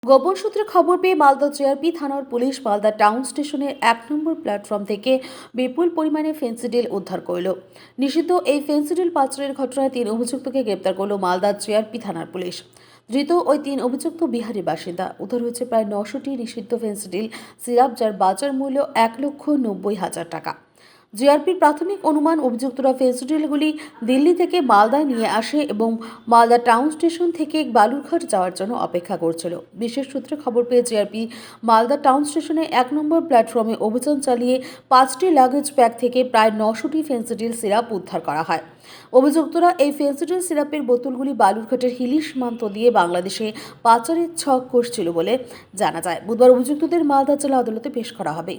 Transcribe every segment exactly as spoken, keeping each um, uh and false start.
গোপন সূত্রে খবর পেয়ে মালদা জিআরপি থানার পুলিশ মালদা টাউন স্টেশনের এক নম্বর প্ল্যাটফর্ম থেকে বিপুল পরিমাণে ফেন্সিডিল উদ্ধার করল। নিষিদ্ধ এই ফেন্সিডিল পাচারের ঘটনায় তিন অভিযুক্তকে গ্রেপ্তার করল মালদা জিআরপি থানার পুলিশ। ধৃত ওই তিন অভিযুক্ত বিহারের বাসিন্দা। উদ্ধার হয়েছে প্রায় নশোটি নিষিদ্ধ ফেন্সিডিল সিরাপ, যার বাজার মূল্য এক লক্ষ নব্বই হাজার টাকা। জিআরপির প্রাথমিক অনুমান, অভিযুক্তরা ফেন্সিডিলগুলি দিল্লি থেকে মালদায় নিয়ে আসে এবং মালদা টাউন স্টেশন থেকে বালুরঘাট যাওয়ার জন্য অপেক্ষা করছিল। বিশেষ সূত্রে খবর পেয়ে জিআরপি মালদা টাউন স্টেশনে এক নম্বর প্ল্যাটফর্মে অভিযান চালিয়ে পাঁচটি লাগেজ ব্যাগ থেকে প্রায় নশোটি ফেন্সিডিল সিরাপ উদ্ধার করা হয়। অভিযুক্তরা এই ফেন্সিডিল সিরাপের বোতলগুলি বালুরঘাটের হিলি সীমান্ত দিয়ে বাংলাদেশে পাচারের ছক কষছিল বলে জানা যায়। বুধবার অভিযুক্তদের মালদা জেলা আদালতে পেশ করা হবে।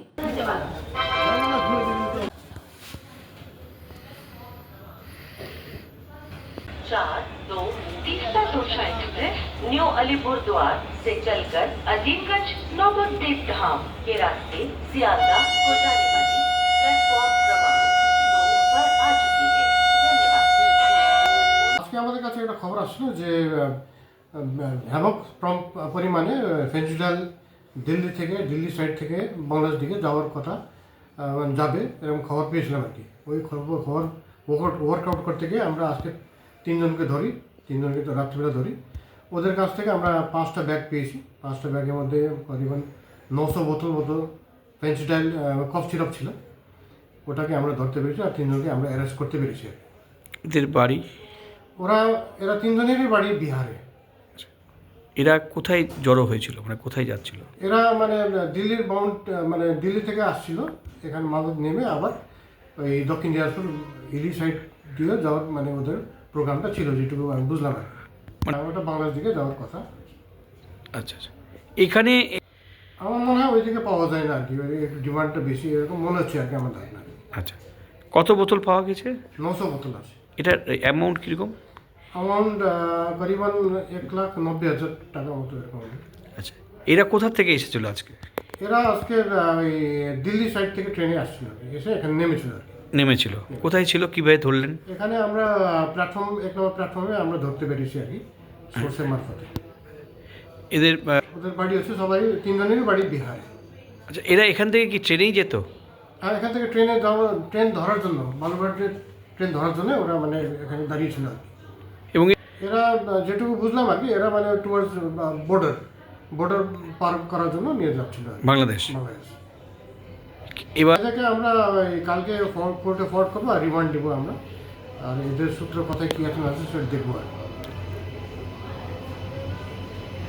चार दो तीसरा सुरक्षा एक्सप्रेस न्यू अलीपुर द्वार से चलकर अजीमगंज नौबतदीप धाम के रास्ते सियालदा को जाने वाली प्लेटफॉर्म क्रमांक दो पर आ चुकी है। धन्यवाद। আজকে আমাদের কাছে একটা খবর আসলো যে ব্যাপক পরিমাণে ফেন্সিডিল দিল্লি থেকে দিল্লি সাইড থেকে বাংলাদেশ দিকে যাওয়ার কথা যাবে এবং খবর পেয়েছিলাম আর কি। ওই খবর খবর ওয়ার্কআউট করতে গিয়ে আমরা আজকে তিনজনকে ধরি তিনজনকে তো রাত্রিবেলা ধরি। ওদের কাছ থেকে আমরা পাঁচটা ব্যাগ পেয়েছি। পাঁচটা ব্যাগের মধ্যে করিবন নশো বোতল মতো ফেন্সিডিল কফ সিরাপ ছিল। ওটাকে আমরা ধরতে পেরেছি আর তিনজনকে আমরা অ্যারেস্ট করতে পেরেছি। এদের বাড়ি? ওরা এরা তিনজনেরই বাড়ি বিহারে। এরা কোথায় জড়ো হয়েছিল, মানে কোথায় যাচ্ছিল? এরা মানে দিল্লির বাউন্ড মানে দিল্লি থেকে আসছিল, এখানে মালদা নেমে আবার ওই দক্ষিণ দিনাজপুর হিলি সাইড দিয়ে যাওয়ার মানে ওদের প্রোগ্রামটা ছিল, যেটুকু আমি বুঝলাম আর মানে ওটা বাংলাদেশ দিকে যাওয়ার কথা। আচ্ছা আচ্ছা। এখানে আমার মনে হয় ওই দিকে পাওয়া যায় না আর কি, একটু ডিমান্ডটা বেশি এরকম মনে হচ্ছে আর কি আমার ধারণা। আচ্ছা, কত বোতল পাওয়া গেছে? নশো বোতল আছে। এটার অ্যামাউন্ট কীরকম? অ্যামাউন্ট করিবন এক লাখ নব্বই হাজার টাকা মতো এরকম। আচ্ছা, এরা কোথা থেকে এসেছিল আজকে? এরা আজকে ওই দিল্লি সাইড থেকে ট্রেনে আসছিল, এসে এখানে নেমেছিল আর কি। নেমেছিল কোথায় ছিল, কীভাবে ধরলেন? এখানে আমরা প্ল্যাটফর্ম এক নম্বর প্ল্যাটফর্মে আমরা ধরতে পেরেছি আর কি, সোর্সের মারফতে। এদের ওদের বাড়ি হচ্ছে সবাই তিনজনেরই বাড়ি বিহারে। আচ্ছা, এরা এখান থেকে কি ট্রেনেই যেত? আর এখান থেকে ট্রেনে যাওয়া ট্রেন ধরার জন্য বালুরঘাটের ট্রেন ধরার জন্য ওরা মানে এখানে দাঁড়িয়েছিল আর কি। এবং এরা যেটুকু বুঝলাম আর কি, এরা মানে টুয়ার্ডস বর্ডার বর্ডার পার করার জন্য নিয়ে যাচ্ছিল বাংলাদেশ। বাংলাদেশ। এবার এটাকে আমরা ওই কালকে কোর্টে ফরওয়ার্ড করবো আর রিমান্ড দেবো আমরা। আর এদের সূত্র কথায় কী এখন আছে সেটা দেখবো আর